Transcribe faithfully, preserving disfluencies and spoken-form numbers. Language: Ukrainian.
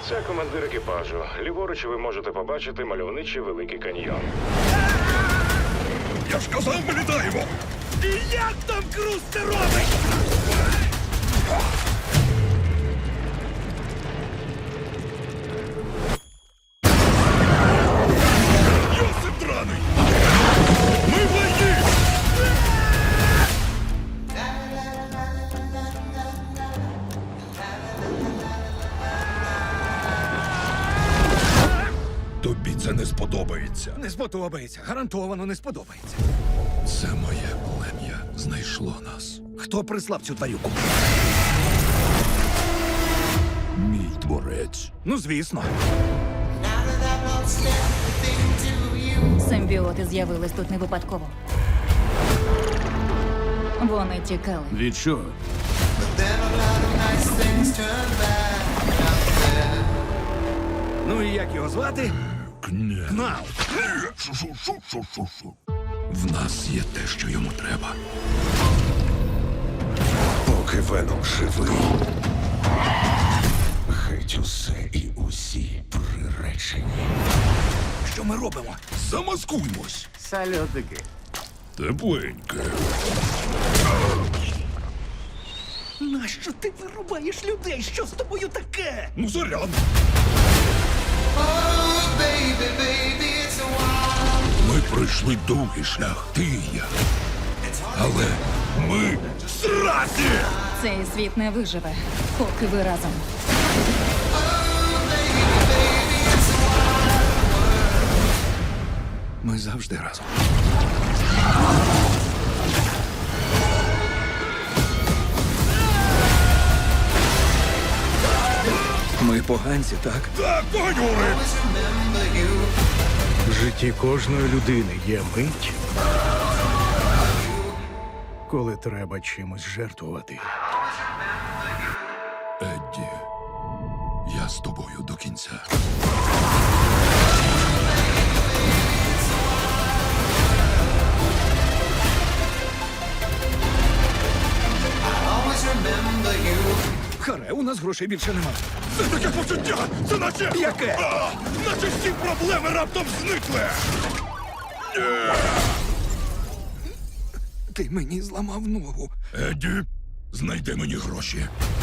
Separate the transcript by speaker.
Speaker 1: Це командир екіпажу. Ліворуч ви можете побачити мальовничий великий каньйон.
Speaker 2: Я ж казав, ми літаємо!
Speaker 3: І як там Круз це робить?
Speaker 2: Йосип драний! Ми в лайні! Тобі це не сподобається.
Speaker 3: Не сподобається, гарантовано не сподобається.
Speaker 2: Це моє плем'я знайшло нас.
Speaker 3: Хто прислав цю тварюку?
Speaker 2: Мій творець.
Speaker 3: Ну, звісно.
Speaker 4: Симбіоти з'явились тут не випадково. Вони тікали.
Speaker 2: Від чого?
Speaker 3: Ну і як його звати?
Speaker 2: Кня.
Speaker 3: Кнал.
Speaker 2: Шу-шу-шу-шу-шу-шу. В нас є те, що йому треба.
Speaker 5: Поки Веном живий, геть усе і усі приречені.
Speaker 3: Що ми робимо?
Speaker 2: Замаскуймось.
Speaker 3: Сальотики.
Speaker 2: Тепленьке.
Speaker 3: Нащо ти вирубаєш людей? Що з тобою таке?
Speaker 2: Ну, заряд. Ми пройшли довгий шлях, ти і я. Але ми зраді!
Speaker 4: Цей світ не виживе, поки ви разом.
Speaker 3: Ми завжди разом. Ми поганці, так?
Speaker 2: Так, погонюри!
Speaker 6: В житті кожної людини є мить, коли треба чимось жертвувати.
Speaker 2: Едді, я з тобою до кінця.
Speaker 3: Харе, у нас грошей більше нема.
Speaker 2: Це таке почуття! Це наче...
Speaker 3: Яке?
Speaker 2: А, наче всі проблеми раптом зникли!
Speaker 3: Ти мені зламав ногу.
Speaker 2: Едді, знайди мені гроші.